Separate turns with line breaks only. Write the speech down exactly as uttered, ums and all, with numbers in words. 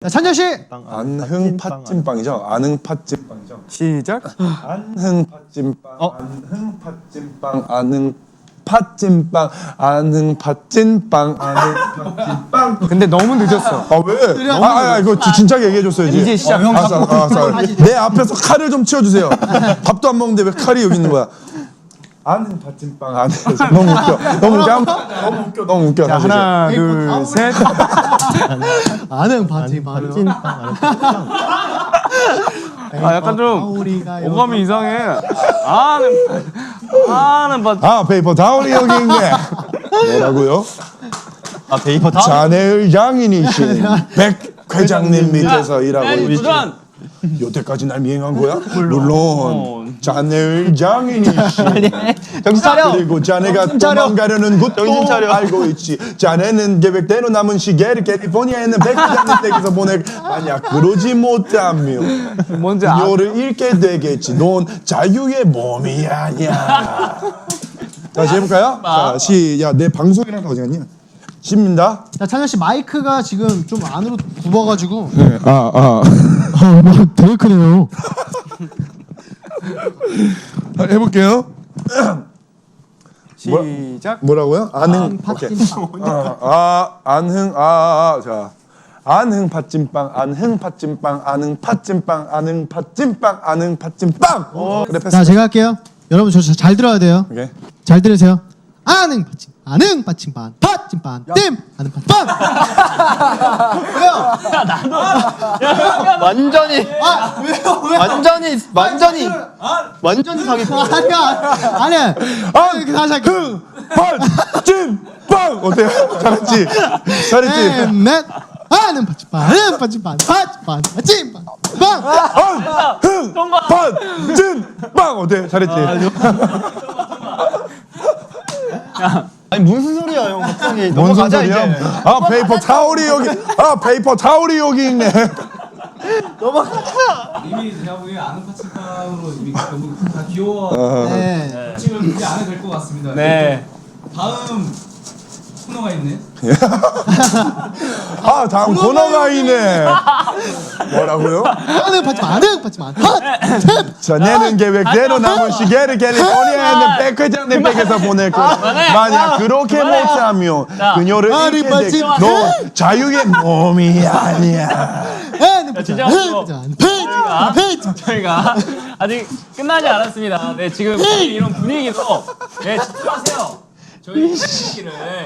자, 찬열 씨.
안흥 팥찜빵이죠. 안흥 팥찜빵이죠.
시작.
안흥 팥찜빵.
어?
안흥 팥찜빵. 안흥 팥찜빵. 안흥 팥찜빵. 안흥 팥찜빵.
근데 너무 늦었어.
아 왜? 아, 아, 아 이거 지- 진작에 얘기해 줬어야지.
이제 시작.
어, 형 알았어, 알았어, 알았어. 내 앞에서 칼을 좀 치워주세요. 밥도 안 먹는데 왜 칼이 여기 있는 거야? 안흥 팥찜빵. 안흥 너무 웃겨. 너무 웃겨. 너무 웃겨. 너무 웃겨. 다시
하나, 둘, 셋.
아는 바지 바지.
아 약간 좀 오감이 이상해. 아는 아는 바.
아 페이퍼 타올이 여기 있네. 뭐라고요?
아 베이퍼 다.
자네의 장인이신 백 회장님 밑에서 일하고 있지.
도전.
여태까지 날 미행한 거야? 물론 자네의 장인이신.
정신 차려.
그리고 자네가
정신 차려.
도망가려는 것도
정신 차려.
알고 있지. 자네는 계획대로 남은 시계를 캘리포니아에 있는 백 회장님 댁에서 보내. 만약 그러지 못하면
뭔지 아.
그녀를 잃게 되겠지. 넌 자유의 몸이 아니야. 다시 해볼까요? 자, 시, 야, 내 방송이랑 어디 갔냐? 십니다.
자, 찬열 씨 마이크가 지금 좀 안으로 굽어가지고.
네, 아, 아.
아, 뭐 되게 크네요.
해볼게요.
시작.
뭐라고요? 안흥. 오케이.
팥찜빵.
아, 아, 안흥, 아, 아, 아, 자. 안흥 팥찜빵, 안흥 팥찜빵, 안흥 팥찜빵, 안흥 팥찜빵, 안흥 팥찜빵. 그래, 패스.
자, 제가 할게요. 여러분 저 잘 들어야 돼요.
오케이.
잘 들으세요. 아는 파칭, 아는 파칭반, 파칭반, 땜, 아는 파빵. 왜요?
완전히
아 왜요? 왜?
완전히 완전히 완전히 사기.
아니야, 아니야. 아 이렇게 다시 할게요.
팥찜빵 어때요? 잘했지? 잘했지?
넷, 넷. 아는 파칭반, 아는 파칭반, 파칭반, 파칭반, 빵.
안흥 팥찜빵 어때? 잘했지?
아니 무슨 소리야 형 갑자기.
뭔
넘어가자
소리야?
이제.
아 페이퍼 타올이 여기. 아 페이퍼 타올이 여기 있네.
이미 제가 보기엔 아는 파칭빵으로 이미 너무 다 귀여워.
네.
지금 이제 안 해도 될 것 같습니다.
네.
다음 코너가 있네.
아 다음 코너가 있네. 뭐라고요?
아는 파칭반, 아는 파칭반, 파칭.
자네는 계획대로 남은 시계를 캘리포니아에 있는 백 회장님 댁에서 보낼 거야. 만약 그렇게 못하면 그녀를
아니,
잃게
맞지?
돼. 너 자유의 몸이 아니야.
아는 파칭반, 아는
진짜
파칭반, 파칭반, 파칭반.
저희가 아직 끝나지 않았습니다. 네 지금 이런 분위기도 네 집중하세요. 저희 분위기를.